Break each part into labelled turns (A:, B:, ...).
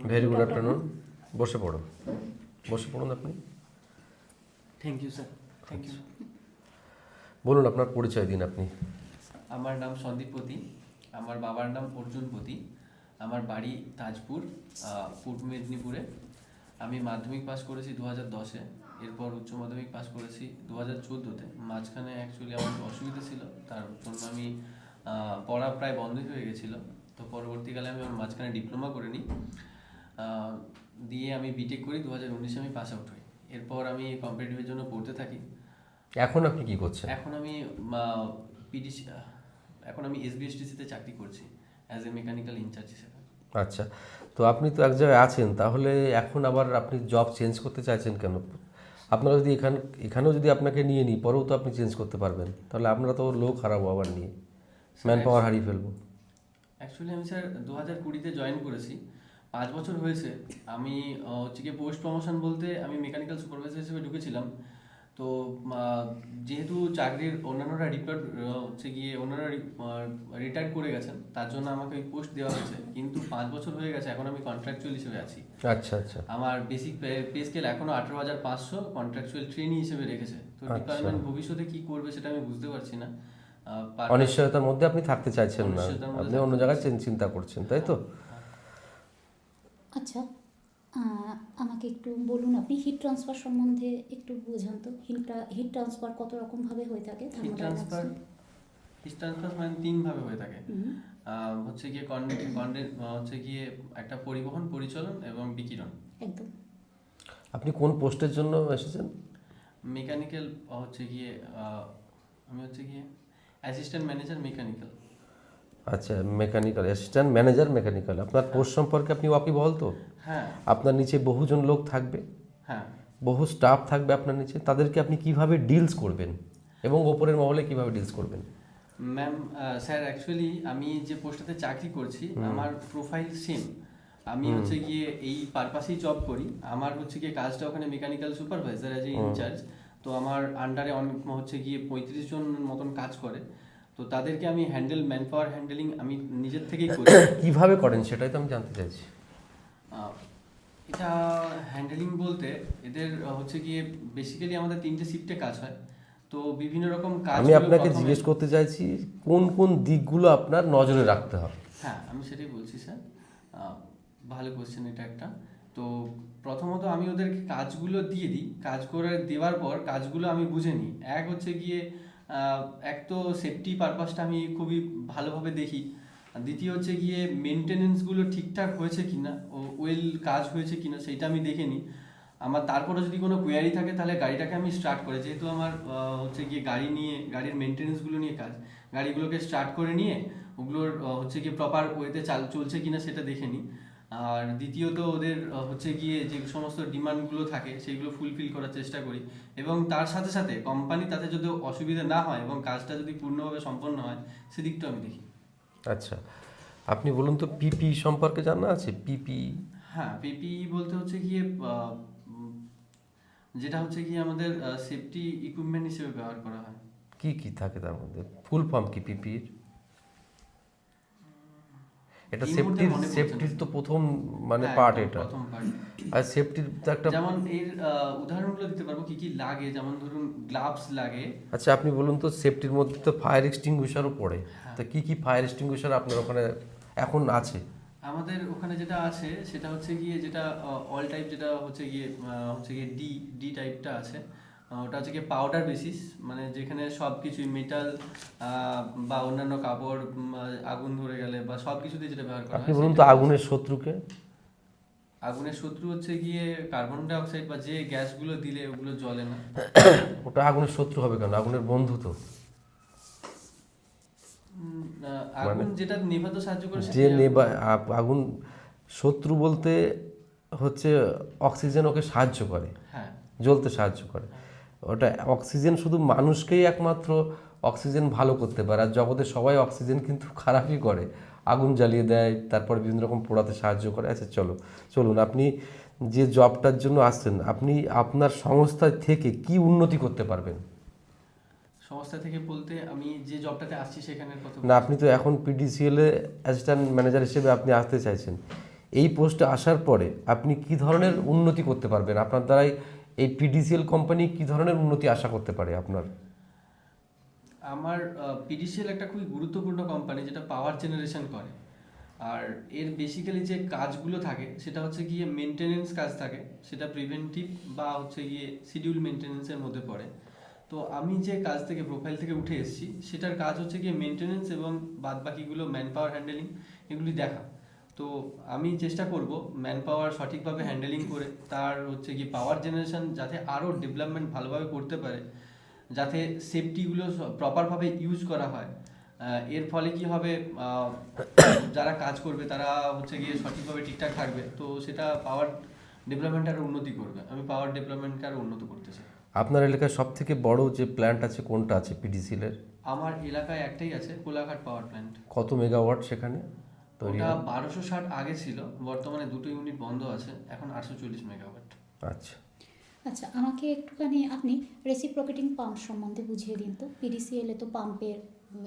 A: Very good afternoon. বসে পড়ুন, বসে পড়ুন আপনি।
B: Thank you sir, thank you.
A: বলুন আপনার পরিচয় দিন আপনি।
B: আমার নাম সন্দীপ পতি, আমার বাবার নাম অর্জুন পতি, আমার বাড়ি তাজপুর, পূর্ব মেদিনীপুরে। আমি মাধ্যমিক পাস করেছি 2010-এ, এরপর উচ্চ মাধ্যমিক পাস করেছি 2014-তে। মাঝখানে অ্যাকচুয়ালি আমার একটু অসুবিধা ছিল, তার জন্য আমি পড়া প্রায় বন্ধই হয়ে গেছিলো। তো পরবর্তীকালে আমি আমার মাঝখানে ডিপ্লোমা করে নিই, দিয়ে আমি বিটেক করি। 2019-এ আমি পাস আউট হই। এরপর আমি কম্পিটিটিভের জন্য পড়তে থাকি।
A: এখন আপনি কি করছেন?
B: এখন আমি পিডিসি, এখন আমি এসবিএসটিসিতে চাকরি করছি অ্যাজ এ মেকানিক্যাল ইনচার্জ হিসেবে।
A: আচ্ছা, তো আপনি তো এক জায়গায় আছেন, তাহলে এখন আবার আপনি জব চেঞ্জ করতে চাইছেন কেন? আপনারা যদি এখানেও যদি আপনাকে নিয়ে নিই, পরেও তো আপনি চেঞ্জ করতে পারবেন, তাহলে আমরা তো লোক হারাবো আবার নিয়ে, ম্যান পাওয়ার হারিয়ে ফেলবো।
B: অ্যাকচুয়ালি আমি স্যার 2020-তে জয়েন করেছি, 5 বছর হয়েছে। আমি হচ্ছে গিয়ে পোস্ট প্রমোশন বলতে আমি মেকানিক্যাল সুপারভাইজার হিসেবে ঢুকেছিলাম। তো যেহেতু চাকরির অন্যান্যরা রিটায়ার করে গেছেন, তার জন্য আমাকে ওই পোস্ট দেওয়া হয়েছে। কিন্তু 5 বছর হয়ে গেছে, এখন আমি কন্ট্রাকচুয়াল হিসেবে আছি।
A: আচ্ছা আচ্ছা।
B: আমার বেসিক পে স্কেল এখনো 18,500, কন্ট্রাকচুয়াল ট্রেনি হিসেবে রেখেছে। তো ডিপার্টমেন্ট ভবিষ্যতে কি করবে সেটা আমি বুঝতে পারছি না।
A: অনিশ্চয়তার মধ্যে আপনি থাকতে চাইছেন না, আপনি অন্য জায়গায় চিন্তা করছেন, তাই তো?
C: আচ্ছা, আমাকে একটু বলুন, আপনি হিট ট্রান্সফার সম্বন্ধে একটু বোঝান তো। হিট ট্রান্সফার কত রকমভাবে হয়ে থাকে?
B: হিট ট্রান্সফার মানে 3 ভাবে হয়ে থাকে। হচ্ছে গিয়ে হচ্ছে গিয়ে একটা পরিবহন, পরিচালন এবং বিকিরণ।
C: একদম।
A: আপনি কোন পোস্টের জন্য এসেছেন?
B: মেকানিক্যাল হচ্ছে গিয়ে আমি হচ্ছে গিয়ে অ্যাসিস্ট্যান্ট ম্যানেজার মেকানিক্যাল।
A: আচ্ছা, মেকানিক্যাল অ্যাসিস্ট্যান্ট ম্যানেজার মেকানিক্যাল। আপনার পোস্ট সম্পর্কে আপনি ওয়াকিবহাল তো?
B: হ্যাঁ।
A: আপনার নিচে বহুজন লোক থাকবে,
B: হ্যাঁ,
A: বহু স্টাফ থাকবে আপনার নিচে, তাদেরকে আপনি কিভাবে ডিলস করবেন এবং ওপরের মহলে কিভাবে ডিলস করবেন?
B: ম্যাম, স্যার অ্যাকচুয়ালি আমি যে পোস্টটাতে চাকরি করছি, আমার প্রোফাইল সেম। আমি হচ্ছে গিয়ে এই পারপাসেই জব করি। আমার হচ্ছে গিয়ে কাজটা ওখানে mechanical supervisor as a incharge. তো আমার আন্ডারে অনেক হচ্ছে গিয়ে 35 জন মতন কাজ করে। তো তাদেরকে আমি ম্যান পাওয়ার হ্যান্ডেলিং আমি নিজের থেকেই করি।
A: কিভাবে করেন সেটাই তো আমি জানতে চাইছি।
B: এটা হ্যান্ডেলিং বলতে এদের হচ্ছে গিয়ে বেসিক্যালি আমাদের 3টে শিফটে কাজ হয়। তো বিভিন্ন রকম কাজ
A: আমি আপনাকে জিজ্ঞেস করতে চাইছি কোন কোন দিকগুলো আপনার নজরে রাখতে হবে।
B: হ্যাঁ, আমি সেটাই বলছি স্যার। ভালো কোশ্চেন এটা একটা। তো প্রথমত আমি ওদেরকে কাজগুলো দিয়ে দিই, কাজ করে দেওয়ার পর কাজগুলো আমি বুঝে নিই। এক হচ্ছে গিয়ে এক তো সেফটি পারপাসটা আমি খুবই ভালোভাবে দেখি। দ্বিতীয় হচ্ছে গিয়ে মেনটেনেন্সগুলো ঠিকঠাক হয়েছে কিনা, ওয়েল কাজ হয়েছে কিনা সেইটা আমি দেখে নিই। আমার তারপরে যদি কোনো কোয়ারি থাকে তাহলে গাড়িটাকে আমি স্টার্ট করে, যেহেতু আমার হচ্ছে গিয়ে গাড়ির মেনটেনেন্সগুলো নিয়ে কাজ, গাড়িগুলোকে স্টার্ট করে নিয়ে ওগুলোর হচ্ছে গিয়ে প্রপার ওয়েতে চলছে কিনা সেটা দেখে নিই। আর দ্বিতীয়ত ওদের হচ্ছে গিয়ে যে সমস্ত ডিমান্ডগুলো থাকে সেইগুলো ফুলফিল করার চেষ্টা করি। এবং তার সাথে সাথে কোম্পানি তাতে যদি অসুবিধা না হয় এবং কাজটা যদি পূর্ণভাবে সম্পন্ন হয় সেদিকটা আমি দেখি।
A: আচ্ছা, আপনি বলুন তো পিপি সম্পর্কে জানা আছে? পিপি?
B: হ্যাঁ, পিপি বলতে হচ্ছে গিয়ে যেটা হচ্ছে গিয়ে আমাদের সেফটি ইকুইপমেন্ট হিসেবে ব্যবহার করা হয়।
A: কি কি থাকে তার মধ্যে? ফুল ফর্ম কি পিপির? এটা সেফটির তো প্রথম মানে পার্ট এটা।
B: প্রথম পার্ট।
A: আর সেফটির তো একটা,
B: যেমন এর উদাহরণগুলো দিতে পারবো কি কি লাগে। যেমন ধরুন গ্লাভস লাগে।
A: আচ্ছা আপনি বলুন তো, সেফটির মধ্যে তো ফায়ার এক্সটিংগুইশারও পড়ে, তা কি কি ফায়ার এক্সটিংগুইশার আপনার ওখানে এখন আছে?
B: আমাদের ওখানে যেটা আছে সেটা হচ্ছে গিয়ে যেটা অল টাইপ, যেটা হচ্ছে গিয়ে ডি টাইপটা আছে। ওটা হচ্ছে গিয়ে পাউডার বেসিস, মানে যেখানে সব কিছুই মেটাল বা অন্যান্য কাপড় আগুন ধরে গেলে বা সব কিছুতে যেটা ব্যবহার করা হয়।
A: আপনি বলুন তো আগুনের শত্রুকে?
B: আগুনের শত্রু হচ্ছে গিয়ে কার্বন ডাই অক্সাইড বা যে গ্যাসগুলো দিলে ওগুলো জ্বলে না।
A: ওটা আগুনের শত্রু হবে কেন? আগুনের বন্ধু তো।
B: আগুন যেটা নেভাতে সাহায্য করে
A: যে আগুন শত্রু বলতে হচ্ছে অক্সিজেন ওকে সাহায্য করে,
B: হ্যাঁ,
A: জ্বলতে সাহায্য করে। ওটা অক্সিজেন শুধু মানুষকেই একমাত্র অক্সিজেন ভালো করতে পারে, আর জগতে সবাই অক্সিজেন কিন্তু খারাপই করে, আগুন জ্বালিয়ে দেয়, তারপরে বিভিন্ন রকম পোড়াতে সাহায্য করে। আচ্ছা চলুন, আপনি যে জবটার জন্য আসছেন, আপনি আপনার সংস্থা থেকে কি উন্নতি করতে পারবেন?
B: সংস্থা থেকে বলতে আমি যে জবটাতে আসছি সেখানের কথা
A: না, আপনি তো এখন পিডিসিএল এ অ্যাসিস্ট্যান্ট ম্যানেজার হিসেবে আপনি আসতে চাইছেন, এই পোস্টে আসার পরে আপনি কি ধরনের উন্নতি করতে পারবেন? আপনার দ্বারাই এই পিডিসিএল কোম্পানি কি ধরনের উন্নতি আশা করতে পারে আপনার?
B: আমার পিডিসিএল একটা খুবই গুরুত্বপূর্ণ কোম্পানি যেটা পাওয়ার জেনারেশন করে। আর এর বেসিক্যালি যে কাজগুলো থাকে সেটা হচ্ছে গিয়ে মেনটেনেন্স কাজ থাকে, সেটা প্রিভেন্টিভ বা হচ্ছে গিয়ে শিডিউল মেনটেনেন্সের মধ্যে পড়ে। তো আমি যে কাজ থেকে প্রোফাইল থেকে উঠে এসেছি সেটার কাজ হচ্ছে গিয়ে মেনটেনেন্স এবং বাদ বাকিগুলো ম্যান পাওয়ার হ্যান্ডেলিং এগুলি দেখা। তো আমি চেষ্টা করব ম্যান পাওয়ার সঠিকভাবে হ্যান্ডেলিং করে তার হচ্ছে গিয়ে পাওয়ার জেনারেশন যাতে আরও ডেভেলপমেন্ট ভালোভাবে করতে পারে, যাতে সেফটিগুলো প্রপারভাবে ইউজ করা হয়। এর ফলে কি হবে, যারা কাজ করবে তারা হচ্ছে গিয়ে সঠিকভাবে ঠিকঠাক থাকবে, তো সেটা পাওয়ার ডেভেলপমেন্ট আরও উন্নতি করবে। আমি পাওয়ার ডেভেলপমেন্টকে আরও উন্নত করতে চাই।
A: আপনার এলাকায় সব থেকে বড় যে প্ল্যান্ট আছে কোনটা আছে পিডিসিএল এর?
B: আমার এলাকায় একটাই আছে, কোলাঘাট পাওয়ার প্ল্যান্ট।
A: কত মেগাওয়াট সেখানে তৈরি
B: ওটা
A: হয়?
B: 1260 আগে ছিল, বর্তমানে দুটো ইউনিট বন্ধ আছে, এখন 840 মেগাওয়াট।
A: আচ্ছা,
C: আচ্ছা, আমাকে একটুখানি আপনি রেসিপ্রোকেটিং পাম্প সম্বন্ধে বুঝিয়ে দিন তো। পিডিসিএল এ তো পাম্পের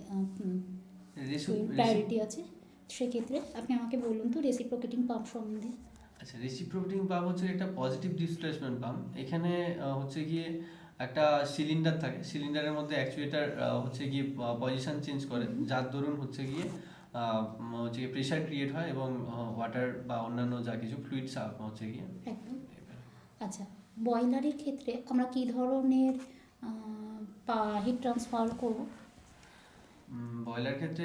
C: প্রায়োরিটি আছে, সেক্ষেত্রে আপনি আমাকে বলুন তো রেসিপ্রোকেটিং পাম্প সম্বন্ধে।
B: আচ্ছা, রেসিপ্রোকেটিং পাম্প হচ্ছে একটা পজিটিভ ডিসপ্লেসমেন্ট পাম্প। এখানে হচ্ছে গিয়ে একটা সিলিন্ডার থাকে, সিলিন্ডারের মধ্যে অ্যাকচুয়েটার হচ্ছে গিয়ে পজিশন চেঞ্জ করে, যার দরুন হচ্ছে গিয়ে প্রেশার ক্রিয়েট হয় এবং ওয়াটার বা অন্যান্য যা কিছু ফ্লুইডস হচ্ছে গিয়ে।
C: একদম। আচ্ছা, বয়লারের ক্ষেত্রে আমরা কী ধরনের হিট ট্রান্সফার করব?
B: বয়লার ক্ষেত্রে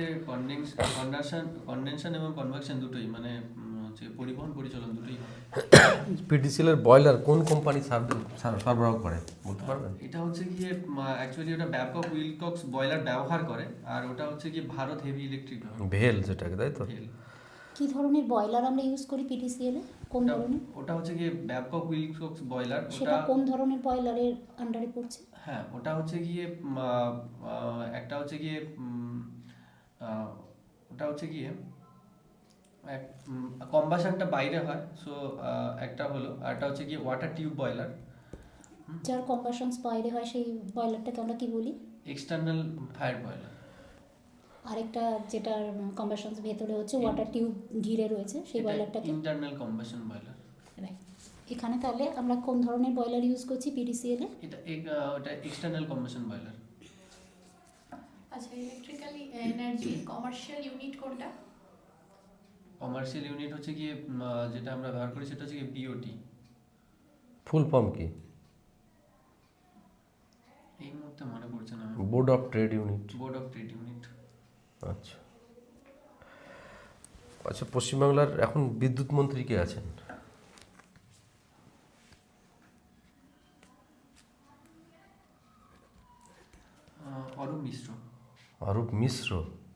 B: কন্ডেনশন এবং কনভেকশন দুটোই, মানে হচ্ছে পরিবহন পরিচালন দুটোই হয়।
A: পিডিসিএল এর বয়লার কোন কোম্পানি সরবরাহ করে বলতে পারবেন?
B: এটা হচ্ছে গিয়ে অ্যাকচুয়ালি ওটা ব্যাবকক উইলকক্স বয়লার ব্যবহার করে, আর ওটা হচ্ছে গিয়ে ভারত হেভি ইলেকট্রিক
A: ভেল যেটাকে, তাই তো?
C: কী ধরনের বয়লার আমরা ইউজ করি পিডিসিএল এ? কোন ধরনের?
B: ওটা হচ্ছে গিয়ে ব্যাবকক উইলকক্স বয়লার।
C: সেটা কোন ধরনের বয়লারের আন্ডারে পড়ছে?
B: হ্যাঁ, ওটা হচ্ছে গিয়ে একটা হচ্ছে গিয়ে ওটা হচ্ছে গিয়ে কম্বাশনটা বাইরে হয়, সো একটা হলো, আর একটা হচ্ছে গিয়ে ওয়াটার টিউব বয়লার।
C: যার কম্বাশনস বাইরে হয় সেই বয়লারটাকে আমরা কি বলি?
B: External fire boiler.
C: আরেকটা যেটার কম্বাশনস ভেতরে হচ্ছে ওয়াটার টিউব ঘিরে রয়েছে সেই বয়লারটাকে
B: ইন্টারনাল কম্বাশন বয়লার।
C: রাইট। এখানে তাহলে আমরা কোন ধরনের বয়লার ইউজ করছি পিডিসিএল এ?
B: ওটা এক্সটার্নাল কম্বাশন বয়লার।
D: আচ্ছা, ইলেকট্রিক্যাল এনার্জি কমার্শিয়াল ইউনিট কোনটা?
B: কমার্শিয়াল ইউনিট হচ্ছে গিয়ে যেটা আমরা ব্যবহার করি সেটা হচ্ছে গিয়ে বিওটি।
A: ফুল ফর্ম কি?
B: এই মুহূর্তে মনে পড়ছে না।
A: Board of trade unit.
B: Board of trade unit.
A: আচ্ছা আচ্ছা, পশ্চিমবাংলার এখন বিদ্যুৎ মন্ত্রী কে আছেন?
B: অরূপ মিশ্র।
A: অরূপ মিশ্র?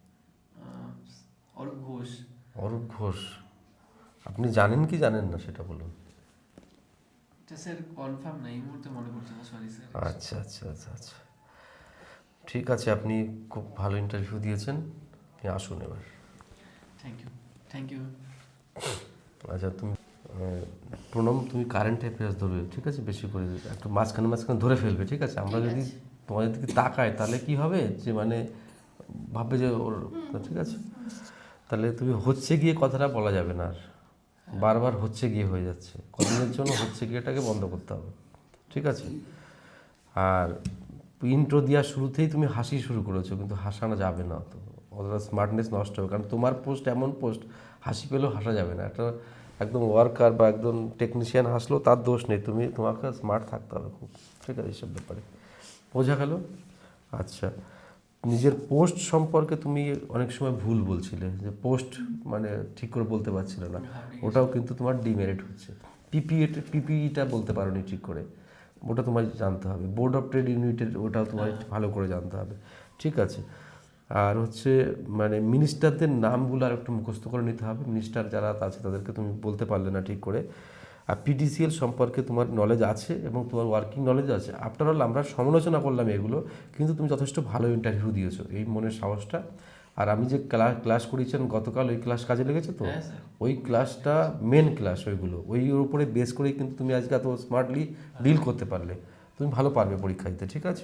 B: অরূপ ঘোষ।
A: অরূপ ঘোষ। আপনি জানেন কি জানেন না সেটা বলুন।
B: এটা স্যার কনফার্ম না, এই মুহূর্তে মনে পড়ছে না, সরি স্যার।
A: আচ্ছা আচ্ছা আচ্ছা আচ্ছা, ঠিক আছে, আপনি খুব ভালো ইন্টারভিউ দিয়েছেন, আপনি আসুন এবার।
B: Thank you, thank you.
A: আচ্ছা, তুমি প্রণব, তুমি কারেন্ট অ্যাফেয়ার্স ধরবে, ঠিক আছে? বেশি করে একটু মাঝখানে মাঝখানে ধরে ফেলবে, ঠিক আছে? আমরা যদি তোমাদের দিকে তাকাই তাহলে কি হবে, যে মানে ভাববে যে ওর, ঠিক আছে? তাহলে তুমি হচ্ছে গিয়ে কথাটা বলা যাবে না, আর বারবার হচ্ছে গিয়ে হয়ে যাচ্ছে, কদিনের জন্য হচ্ছে গিয়েটাকে বন্ধ করতে হবে, ঠিক আছে? আর ইন্ট্রো দেওয়ার শুরুতেই তুমি হাসি শুরু করেছো, কিন্তু হাসানো যাবে না, তো ওদের স্মার্টনেস নষ্ট হবে, কারণ তোমার পোস্ট এমন পোস্ট হাসি পেলেও হাসা যাবে না। একটা একদম ওয়ার্কার বা একদম টেকনিশিয়ান হাসলেও তার দোষ নেই, তোমাকে স্মার্ট থাকতে হবে খুব, ঠিক আছে? এইসব ব্যাপারে বোঝা গেল? আচ্ছা, নিজের পোস্ট সম্পর্কে তুমি অনেক সময় ভুল বলছিলে, যে পোস্ট মানে ঠিক করে বলতে পারছিলে না, ওটাও কিন্তু তোমার ডিমেরিট হচ্ছে। পিপিইটা বলতে পারোনি ঠিক করে, ওটা তোমার জানতে হবে। বোর্ড অফ ট্রেড ইউনিটের ওটাও তোমার ভালো করে জানতে হবে, ঠিক আছে? আর হচ্ছে মানে মিনিস্টারদের নামগুলো আর একটু মুখস্থ করে নিতে হবে, মিনিস্টার যারা আছে তাদেরকে তুমি বলতে পারলে না ঠিক করে। আর পিডিসিএল সম্পর্কে তোমার নলেজ আছে এবং তোমার ওয়ার্কিং নলেজ আছে। আফটার অল আমরা সমালোচনা করলাম এগুলো, কিন্তু তুমি যথেষ্ট ভালো ইন্টারভিউ দিয়েছো, এই মনের সাহসটা। আর আমি যে ক্লাস করিয়েছেন গতকাল, ওই ক্লাস কাজে লেগেছে তো? ওই ক্লাসটা মেন ক্লাস, ওইগুলো ওই উপরে বেস করেই কিন্তু তুমি আজকে এত স্মার্টলি ডিল করতে পারলে, তুমি ভালো পারবে পরীক্ষা দিতে, ঠিক আছে?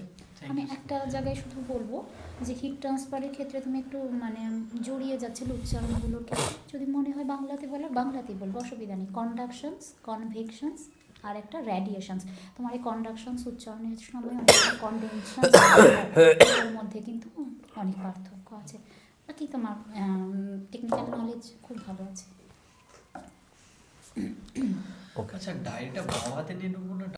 C: আমি একটা জায়গায় শুধু বলবো যে হিট ট্রান্সফারের ক্ষেত্রে তুমি একটু মানে জড়িয়ে যাচ্ছিল উচ্চারণগুলোকে, যদি মনে হয় বাংলাতে বলো বাংলাতেই বলবো, অসুবিধা নেই। কন্ডাকশনস, কনভেকশনস আর একটা রেডিয়েশনস। তোমার এই কন্ডাকশনস উচ্চারণের সময় অনেক কনডেনশন এর মধ্যে কিন্তু অনেক পার্থক্য আছে। বাকি তোমার টেকনিক্যাল নলেজ খুব ভালো আছে।
B: আচ্ছা, ডায়েরিটা বাম হাতে নিয়ে ঢুকবো না